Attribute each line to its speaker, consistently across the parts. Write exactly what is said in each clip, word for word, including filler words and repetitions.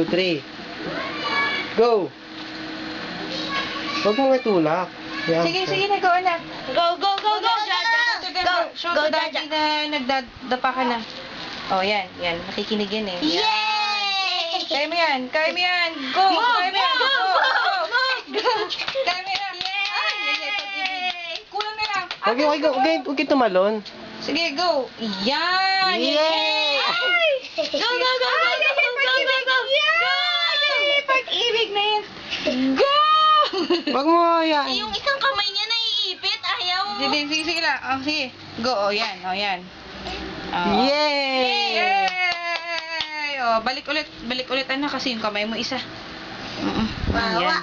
Speaker 1: two, three. Go! Huwag mong itulak. Yan.
Speaker 2: Sige, sige na, go anak.
Speaker 3: Go, go, go, go, Jaja.
Speaker 2: Show them,
Speaker 3: Go,
Speaker 2: show
Speaker 3: go,
Speaker 2: to daddy
Speaker 3: Jaja.
Speaker 2: na nagdadapa ka na. Oh, yan, yan. Nakikinig yan eh. Yan.
Speaker 3: Yay!
Speaker 2: Kaya mo yan, kaya mo yan. Go,
Speaker 3: Move,
Speaker 2: kaya mo yan. Go,
Speaker 3: move,
Speaker 2: go,
Speaker 3: move,
Speaker 2: go.
Speaker 3: move.
Speaker 2: Kaya mo yan. Ay, ay, ay, pag-ibig. Kulang na lang.
Speaker 1: Huwag yung, huwag yung, huwag yung- huwag yung tumalon.
Speaker 2: Sige, go. Yan.
Speaker 1: Yay!
Speaker 3: Go, go, go, go, go, go, go, go, go, go.
Speaker 2: Ay, pag-ibig na yan. Go!
Speaker 1: Huwag mo yan.
Speaker 3: Eh, yung isang kamay niya naiipit, ayaw.
Speaker 2: Sige, sige, sige lang. Oh, sige. Go, oh, yan, oh, yan. Oh.
Speaker 1: Yay!
Speaker 2: Yay! Oh, balik ulit, balik ulit ano kasi yung kamay mo isa. Mm.
Speaker 3: Wawa.
Speaker 2: Yan.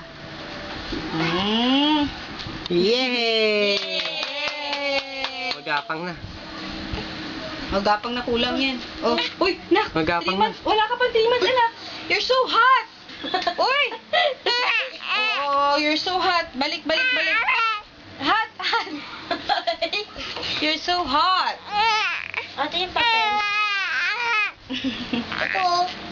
Speaker 2: Mm.
Speaker 1: Yay!
Speaker 2: Yay!
Speaker 1: Magapang na.
Speaker 2: Magapang na kulang yan. Oh, uy, nak.
Speaker 1: Magapang
Speaker 2: three
Speaker 1: na.
Speaker 2: months. Wala ka pang three months, anak. You're so hot. Uy! Oh, you're so hot. Balik, balik, balik. Hot, hot. You're so hot.
Speaker 3: Ate yung papel. Ito.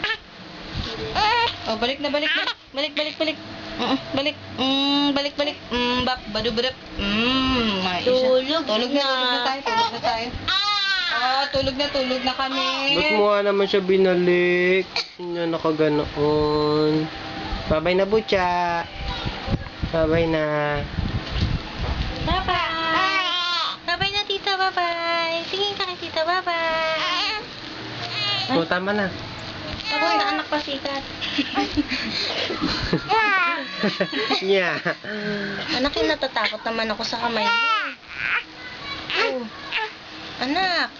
Speaker 2: Oh, balik na, balik na. Balik, balik, balik. Mm, balik. Mm, balik, balik. Mm, bap, badu, badap. Mm, may isa.
Speaker 3: Tulog
Speaker 2: Tulog na,
Speaker 3: na.
Speaker 2: tulog na tayo, tulog na tayo. Ah, tulog na, tulog na kami.
Speaker 1: Ba't mo nga naman siya binalik? Hindi na nakaganoon. Babay na, Butya. Babay na.
Speaker 3: Bye-bye. Bye-bye na, tita. Bye-bye. Tingin ka kay tita. Bye-bye.
Speaker 1: O, tama na.
Speaker 3: Tapos na anak pasikat.
Speaker 1: Nya.
Speaker 3: Anak, yung natatakot naman ako sa kamay mo. Oh. Anak.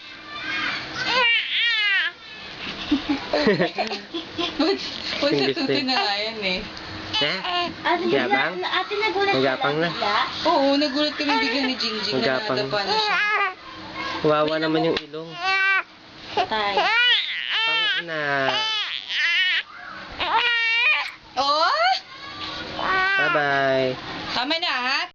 Speaker 2: Ba't ba't
Speaker 1: English
Speaker 2: natuti
Speaker 1: din.
Speaker 2: na nga yan eh?
Speaker 1: Ha?
Speaker 3: Ate,
Speaker 1: Yabang?
Speaker 3: ate nagulat
Speaker 1: Magapang na.
Speaker 2: Oo, nagulat kami bigla ni Jingjing na
Speaker 1: Magapang.
Speaker 2: nadapa na siya.
Speaker 1: Wawa naman yung ilong.
Speaker 3: Tay.
Speaker 1: Pang na.
Speaker 2: Oh!
Speaker 1: Bye-bye.
Speaker 2: Tama na ha?